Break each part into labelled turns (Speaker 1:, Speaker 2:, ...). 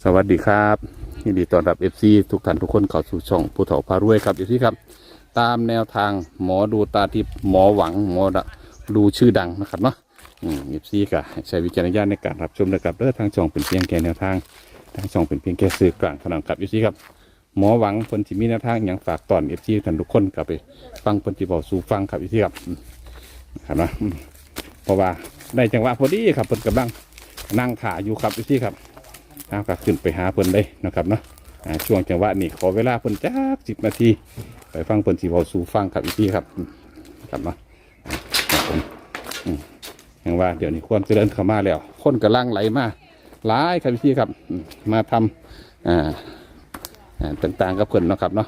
Speaker 1: สวัสดีครับยินดีต้อนรับ FC ทุกท่านทุกคนเข้าสู่ช่องผู้เฒ่าพารวยครับ FC ครับตามแนวทางหมอดูตาทิพย์หมอหวังหมอดูชื่อดังนะครับเนาะFC ก็ใช้วิจารณญาณในการรับชมนะครับทางช่องเป็นเพียงแค่แนวทางทางช่องเป็นเพียงแค่สื่อกลางเท่านั้นครับ FC ครับหมอหวังคนที่มีแนวทางอย่างฝากตอน FC ท่านทุกคนกลับไปฟังคนที่บอกสู่ฟังครับ FC ครับครับนะเพราะว่าได้จังหวะพอดีครับเพิ่นกำลังนั่งถ่ายอยู่ครับ FC ครับก็ขึ้นไปหาเพิ่นได้นะครับเนาะช่วงจังหวะนี้ขอเวลาเพิ่นจัก10 นาทีไปฟังเพิ่นสิเว้าสู่ฟังครับอีกทีครับครับเนาะครับผมอย่างว่าเดี๋ยวนี้ความเจริญเข้ามาแล้วคนกำลังไหลมาหลายครับพี่ครับมาทำต่างๆกับเพิ่นเนาะครับเนาะ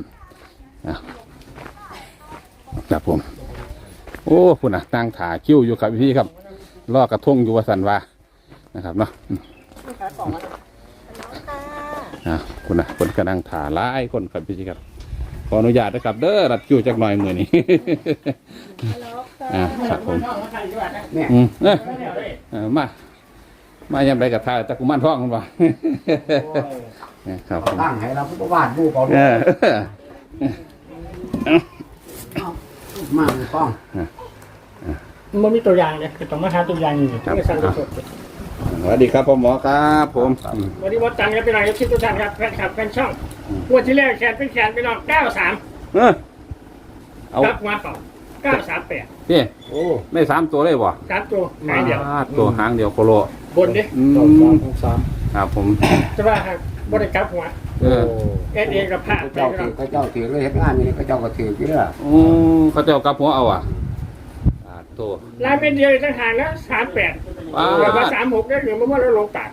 Speaker 1: ครับผมโอ้พุ่นน่ะตั้งถ่าคิ้วอยู่ครับพี่ครับลอกกระทงอยู่ว่าสันว่านะครับเนาะคุณนะคนกำลังถ่าหลายคนครับพี่ครับขออนุญาตนะครับเด้อรัดคิวจักหน่อยมือนี้ครับผมมายังไรกับทายตะกุมันท้องกันวะครับผม
Speaker 2: ตั้งให้เราผู้วาดรูปเอามาในกล้อง
Speaker 3: มันมีตัวอย่างเลยคือต้องมาหาตัวอย่างอยู่ที่สั่งสด
Speaker 1: สวัสดีครับพ่อหมอครับผม
Speaker 3: วันนี้วัดจันทร์ครับเป็นไรครับชิดทุกท่านครับแฟนคลับแฟนช่องวันที่แรกแขนเป็นแขนไปนอน93ครับมาเปล่า938
Speaker 1: พี่โอ้ไม่3 ตัวเลยบ่
Speaker 3: 3 ตัวหางเดียว
Speaker 1: ตัวหางเดียวโคโล
Speaker 3: บนดิ
Speaker 1: 3ครับผม
Speaker 3: จะว่าครับบริกรับหัวเอกับผ้า
Speaker 2: เจ้าถือเลยเห็นงานนี่เจ้าก็ถือกี่เรื่อง
Speaker 1: เขาเจ้ากับหัวเอาตัว
Speaker 3: ลายเป็นเดียวต่างหากนะ38แล้วก็36ได้หรือว่าเราลงตัด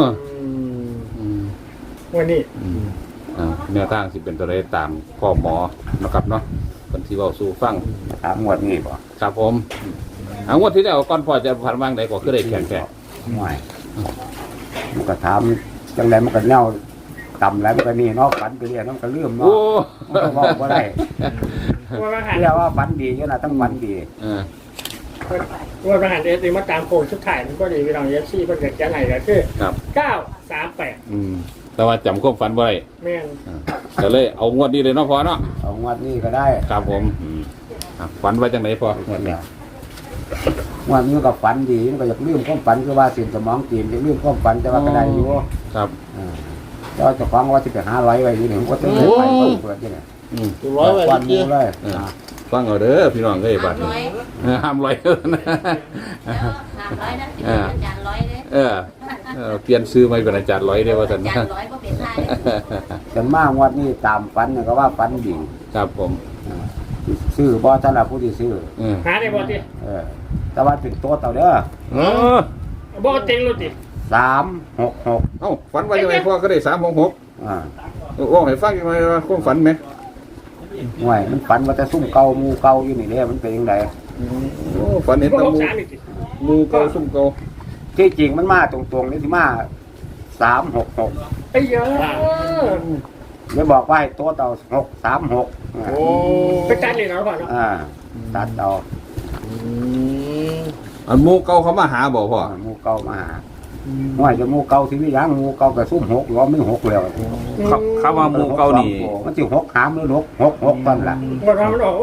Speaker 3: วันนี้
Speaker 1: แนวทางสิเป็นตัวเลขตามพ่อหมอนะครับเนาะคนที่ว่าสู้ฟัง
Speaker 2: ถามงวดนี้ป่ะ
Speaker 1: ครับผมงวดที่แล้วก่อนพอจะผ่านวางไหนก็คือได้แข่ง
Speaker 2: ไม่มันก็ถามจังไรมันก็เน่าต่ำแล้วมันก็นี่นอกฝันไปเรียนมันก็เลื่อมเนาะมันก็บอกว่าได้เรียกว่าฝันดีก็น่ะต้องฝันดี
Speaker 3: ว่าประหารเอสมาตามโค้งชุดถ่ายมันก็ดีวิลองเอฟซีเพื่อเกิดแก่ไหนก็คือ938
Speaker 1: แต่ว่าจำควบฝันไว้
Speaker 3: แม่น
Speaker 1: ก็เลยเอางวดนี้เลยเนาะพอเนาะ
Speaker 2: เอางวดนี้ก็ได้
Speaker 1: ครับผมฝันไว้จังไหนพองวดนี้
Speaker 2: งวดนี้ก็ฝันดีมันก็อยากลืมความฝันคือว่าสินสมองจีนจะลืมความฝันแต่ว่าก็ได้อยู่
Speaker 1: ครับ
Speaker 2: แล้วจะฟังว่าจะไป500ไว้นี่ผมก็จะไปเปิดที่ไหน
Speaker 3: 100
Speaker 2: วันนี้เลย
Speaker 1: ฟังเอาเด้อพี่น้องเอ้ยบัดนี้ห้าม100นะ
Speaker 4: 500นะอาจารย์100เด้
Speaker 1: เปลี่ยนซื้อไม่เป็นอาจารย์100ได้ว่าซั่น
Speaker 4: อาจารย์100บ่เป็นได้
Speaker 2: จนมากวันนี้ตามฝันเนี่ยก็ว่าฝันดี
Speaker 1: ครับผม
Speaker 2: ซื้อบ่ท่านละผู้ที่ซื้อ
Speaker 3: หาได้บ่ติ
Speaker 2: แต่ว่าเป็นตัวเต่าเด้อ
Speaker 3: บ่เต็งรู้ติ
Speaker 2: 366
Speaker 1: เอ้าฝันว่าจังได๋พ่อก็ได้366โอ้ให้ฟังจังได๋ความฝันแม่
Speaker 2: ห่วยมันฝันว่าจะซุ่มเก่ามูเก่าอยู่นี่เด้มันเป็นยังไง
Speaker 1: ฝันเห็นตะมูเก่าซุ่มเก่า
Speaker 2: ที่จริงมันมาตรงๆนี่ที่มา366
Speaker 3: ไอ้เยอะ
Speaker 2: ไม่บอกว่าตัวเต่า636
Speaker 3: โอ้ไปตัดเลยเนาะพ่อเนาะ
Speaker 2: ตัดเอา
Speaker 1: อันมูเก่าเขามาหาบอกพ่อ
Speaker 2: มูเก่ามาหาห่วยจะมูเก่าที่นี่ยังมูเก่ากับซุ่ม6หรือไม่6แล้ว
Speaker 1: เขาว่ามูเก่านี่
Speaker 2: มันสิ6หามหรือ6ต้นล่ะ
Speaker 3: วันมันออก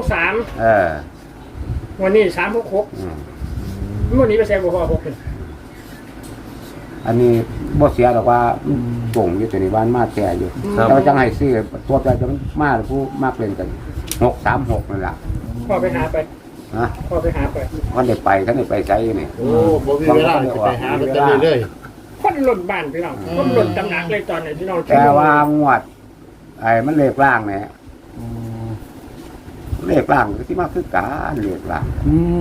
Speaker 3: 3วันนี้366วันนี้ไปแซงบ่พอ6
Speaker 2: อันนี้บ่เสียหรอกว่าป่งอยู่ตัวนี้บ้านมาแก่อยู่เราจังให้ซื้อตัวใจจะมาผู้มากเล่นกัน636นั่นแหละ
Speaker 3: พ่อไปหาไปพ่อไปหาไป
Speaker 2: วันเด็กไปท่านเด็กไปใช้นี่
Speaker 3: โอ้บ่มีเวลาไปหามันจะเรื่อยๆคนหล่นบ้านพี่น้องคนหล่นตำหนักเลยตอนนี้พี่น้อง
Speaker 2: แต่ว่างวดไอ้มันเลขล่างเนี่ยเลขล่างที่มาคือการเลขล่าง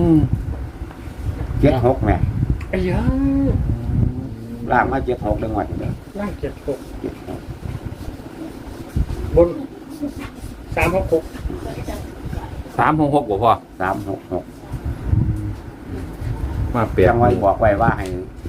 Speaker 2: 76แม่
Speaker 3: ไอ้เยอะ
Speaker 2: ล่างมา76เรื่องวัดเลย
Speaker 3: ล่าง76บน366
Speaker 1: 366บ่พ่อ
Speaker 2: 366
Speaker 1: มาเปลี่ยน
Speaker 2: จังไว้บอกไว้ว่า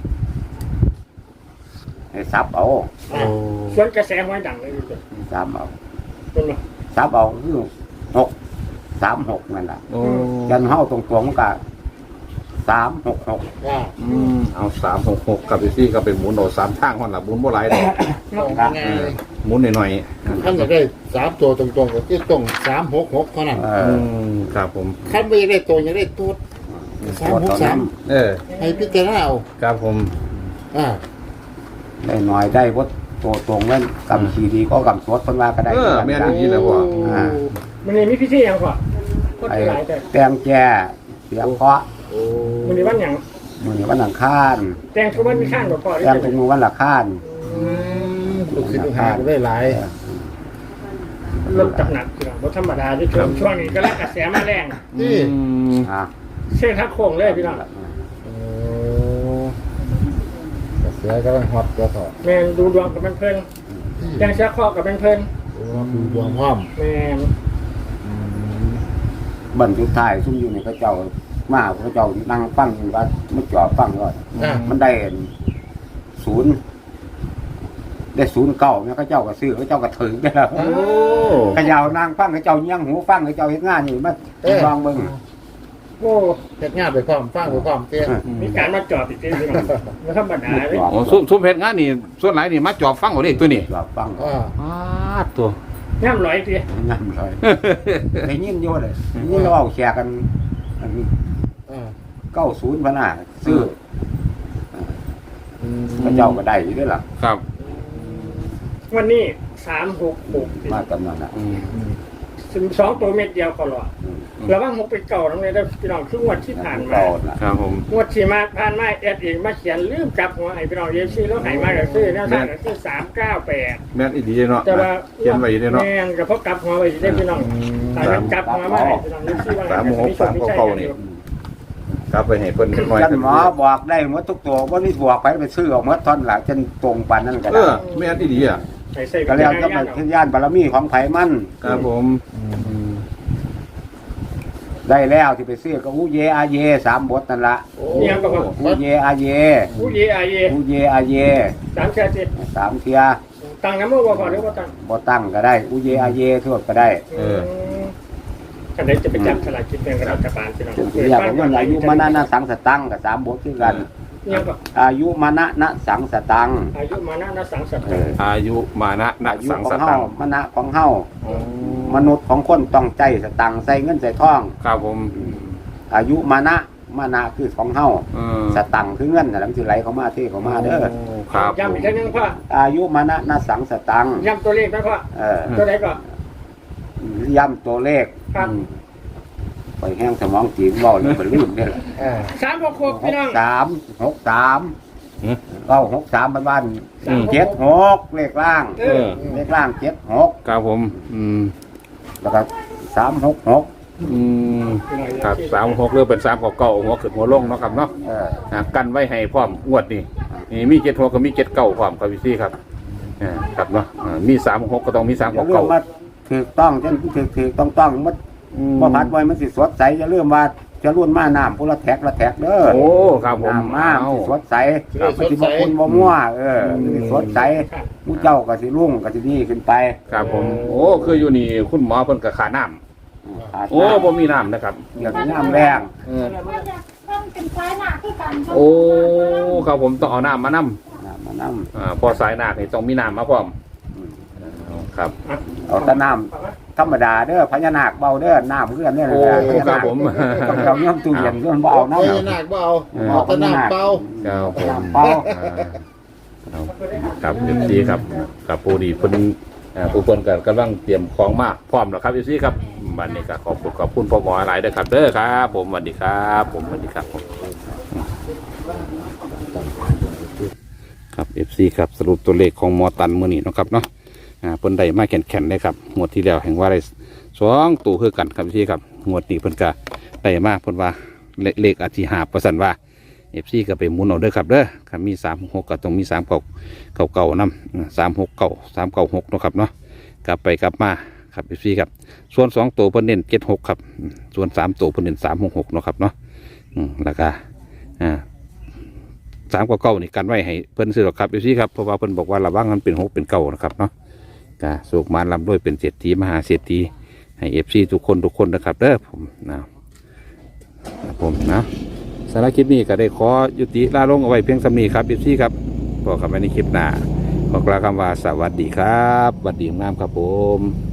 Speaker 2: ให้ซับเอา
Speaker 3: ส่วนกระแสห้อยดังเลย
Speaker 2: ซับเอาซับเอาคือ636นั่นแหละยันเฮาตรงๆมันก็3 366
Speaker 5: อ่า
Speaker 1: เอา366กับพี่ซี่ก็เป็นหมุนโดด3ทางคนละหมุนบ่หลายดอก
Speaker 5: ง่ายเลย
Speaker 1: หมุนหน่อย
Speaker 5: ท่านอยากได้3ตัวตรงๆก็คือตรง366เท่านั้น
Speaker 1: ครับผม
Speaker 5: ท่านไม่อยากได้ตัวอยากได้ตัว363
Speaker 1: เออ
Speaker 5: ให้พิจารณาเอา
Speaker 1: ครับผม
Speaker 5: อ่า
Speaker 2: ได้หน่อยได้วัดตัวตรงนั้นกำขีดีก็กำสวดเพิ่นว่าก็ได้
Speaker 1: แม่นอย่างนี้แหละพ่อ
Speaker 3: มันนี่มีพิธียังก่อนก็
Speaker 2: ไอ้
Speaker 3: หลายแต่
Speaker 2: แตงแจ้เสียเคาะ
Speaker 5: โอ้
Speaker 3: มันนี่วันหยัง
Speaker 2: มื้อนี้วันอังคาร
Speaker 3: แตงทุกวันมีข้างหลวงพ่อ
Speaker 2: แตงเป็นมื้อวันละคาร
Speaker 5: ลูกศิษย์ลูกหาก็ได้หลาย
Speaker 3: เริ่มจับหนักคือว่าธรรมดาที่ช่วงนี้ก็แล้วกระแสมาแรง
Speaker 5: นี่
Speaker 2: อ่า
Speaker 3: เส้นทักโค้งเลยพี่น้อง
Speaker 5: โอ้กระเสือกำลังฮอตตัวต่อ
Speaker 3: แมนดูดวงกับเพื่อนแตงเชื้อข้อกับเพื่อน
Speaker 5: โอ้ดูดวงพร้อม
Speaker 3: แมน
Speaker 2: บันทุกท้ายซุ่มอยู่ในเขาเจ้ามาเขาเจ้านั่งฟังอยู่ว่ามันจ่อฟังก่อน
Speaker 5: อ่า
Speaker 2: มันได้ศูนย์ได้09เนี่ยเขาเจ้าก็ซื้อเขาเจ้าก็ถึงได้แล้ว
Speaker 1: โอ้
Speaker 2: กระยาวนางฟังเขาเจ้าเงี้ยงหูฟังเขาเจ้าเฮ็ดงานอยู่มาลองเบิ่ง
Speaker 3: โอ้
Speaker 5: เฮ็ดงานไปพร้อมฟังไปพร้อมเตี้ย
Speaker 3: มีการมาจอดอีกทีพี่น้องไม่ธรรมดาเลย
Speaker 1: โอ้ซุ่มเพชรงานนี่ส่วนหลายนี่มาจอบฟังเอาเด็กตัวนี้
Speaker 2: จอบฟัง
Speaker 5: อ่า
Speaker 1: ตัว
Speaker 3: ย่ำร้อยที
Speaker 2: งานเลยได้ยินอยู่เลยนี่เราเอาแชร์กัน
Speaker 5: อ่า
Speaker 2: 90พะน่ะซื้อเขาเจ้าก็ได้อยู่ด้วยล่ะ
Speaker 1: ครับ
Speaker 3: วันนี้366
Speaker 2: มาตำนั้นน่ะ
Speaker 3: 2ตัวเม็ดเดียวก็หรอระวัง6ไปเก่าตรงนี้ได้พี่น้องคืองวดที่ผ่านมา
Speaker 2: เก่าน่ะ
Speaker 1: ครับผม
Speaker 3: งวดที่มาผ่านมาแอดเองมาเขียนลืมจับหัวไอ้พี่น้องเยซี่แล้วหายมาก็ซื้อแนวทางก็ซื้อ398
Speaker 1: แม่นอีดีเนาะ
Speaker 3: แต่ว่า
Speaker 1: เขียนไว้เนาะ
Speaker 3: แม่นก็เพราะกลับหัวไว้ได้พี่น้องตายแล้วกลับหัวมาให้พี่น้องเยซี่ว่า
Speaker 1: กลับไปให้เพิ่นหน่อย
Speaker 2: ท่านหมอบอกได้หมดทุกตัวบ่มีบวกไปซื้อเอาหมดท่อนหลังจนตรงปานนั้นก็
Speaker 1: เอ
Speaker 2: ได้
Speaker 1: อแม่นอีดีอ่ะ
Speaker 3: ใส่
Speaker 2: ก็แล้วก็เป็นขึ้นย่านบารมีของไผมัน
Speaker 1: ครับผม
Speaker 2: ได้แล้วที่ไปซื้อก็อูเยอาเย3บทนั่นล่ะ
Speaker 3: เนี่ยก็ว่า
Speaker 2: อูเยอาเย
Speaker 3: ผู้เยอาเย
Speaker 2: อูเยอาเย
Speaker 3: 3แค่สิ
Speaker 2: 3เที่ย
Speaker 3: ตังน้ำมือบ่พอหรือว่าตัง
Speaker 2: บ่ตั้งก็ได้อูเยอาเยทั่วก็ได้
Speaker 3: กันได้จะไปจับฉลากกินแบ่งรัฐบาลพี่น้อง
Speaker 2: เรียกว่าอายุมณะนะสังสตังกับ3บทคือกัน
Speaker 3: เนี่ยก็
Speaker 2: อายุมณะนะสังสตัง
Speaker 3: อายุมานะสังสัต
Speaker 2: เอ
Speaker 3: ว์
Speaker 2: อ
Speaker 1: อายุมานะนั
Speaker 2: อาก ยุ
Speaker 1: สัง
Speaker 2: ข
Speaker 1: ส
Speaker 2: อง
Speaker 1: ตั
Speaker 2: เฮาง มณะของเฮามนุษย์ของคนต้องใจสตังใส่เงินใส่ทอง
Speaker 1: ครับผม
Speaker 2: อายุมณะคือของเฮาสตังคือเงินน่ะมันสิไหลเข้ามาเทเข้ามาเด้อ
Speaker 1: ครับ
Speaker 3: ย้ำอีกทีนึงพ่อ
Speaker 2: อายุมณะนะสังสตัง
Speaker 3: ย้ำตัวเลขไหมพ่อ ตัวไหนก่อน
Speaker 2: ย้ำตัวเลข
Speaker 3: ครับ
Speaker 2: ไปแห้งสมองจีบเว้าแล้วมันลืมเด้อ
Speaker 5: อ่า
Speaker 3: 366พี่น้อง
Speaker 2: 963บ้าน76เลขล่าง เลขล่าง76
Speaker 1: ครับผม
Speaker 2: แล้วก็366
Speaker 1: ครับ36เรือเป็น3 9หัวขึ้นหัวลงเนาะครับเนาะกันไว้ให้พร้อมงวดนี่มี7หัวก็มี7 9พร้อมครับพี่ซี่ครับครับเนาะมี36ก็ต้องมี3
Speaker 2: อย่าลืม
Speaker 1: 9
Speaker 2: ว่าถูกต้องจนถูกต้องมันบ่พัดไว้มันสิสดใสอย่าลืมว่าจะรุ่นมาน้ำพุละแท็กเด้อ
Speaker 1: โอ้ครับผม
Speaker 2: น้ำมาสิสดใสมันสิบ่คุณบ่มั่วสิสดใสผู้เจ้าก็สิรุ่งก็สิดีขึ้นไป
Speaker 1: ครับผมโอ้คืออยู่นี่คุณหมอเพิ่นก็ขาน้ำโอ้บ่มีน้ำนะครับ
Speaker 2: อยากน้ำแรง
Speaker 4: เป็นไฟหนักที่กัน
Speaker 1: โอ้ครับผมต้องเอาน้ำมานํ
Speaker 2: น้ำ
Speaker 1: พอสายนาคนี่ต้องมีน้ำมาพร้อมครับ
Speaker 2: เอาแต่น้ำธรรมดาเด้อพญานาคเบาเด้อน้ำเพื่อนเนี่ย
Speaker 1: โอ้ครับผม
Speaker 2: ต้องเอาเงี้ยตู้เย็นเพื่อนบ่เอาน้ำ
Speaker 5: โอ้ยหนักเบาเอาแต่น้ำเบา
Speaker 1: ครับผม
Speaker 2: เปล่า
Speaker 1: ครับเอฟซีครับกับปูดีเพิ่นผู้คนกำลังเตรียมของมากพร้อมแล้วครับเอฟซีครับวันนี้ก็ขอบคุณพ่อหมอหลายเด้อครับเด้อครับผมสวัสดีครับผมสวัสดีครับผมครับเอฟซีครับสรุปตัวเลขของหมอตันมื้อนี้เนาะครับเนาะเพิ่นได้มาแข็งๆได้ครับงวดที่แล้วแห่งว่าได้2ตัวคือกันครับพี่ครับงวดนี้เพิ่นก็ได้มาเพิ่นว่าเลขอาจสิหาประสันว่าเอฟซีก็ไปหมุนเอาเด้อครับเด้อครับมี36ก็ต้องมี3เก่าๆนำ369 396เนาะครับเนาะกลับไปกลับมาครับเอฟซีครับส่วน2ตัวเพิ่นเน้น76ครับส่วน3ตัวเพิ่นเน้น366เนาะครับเนาะแล้วก็399นี่กันไว้ให้เพิ่นซื้อหรอกครับเอฟซีครับเพราะว่าเพิ่นบอกว่าระวังมันเป็น6เป็น9นะครับเนาะก็สุกมาลำด้วยเป็นเศรษฐีมหาเศรษฐีให้เอฟซีทุกคนนะครับเด้อผมนะผมนะสารบคลิปนี้ก็ได้ขอยุติลาลงเอาไว้เพียงสำนีครับเอฟซีครับพบกันใหม่ในคลิปหน้าขอกล่าวคำว่าสวัสดีครับสวัสดีงามครับผม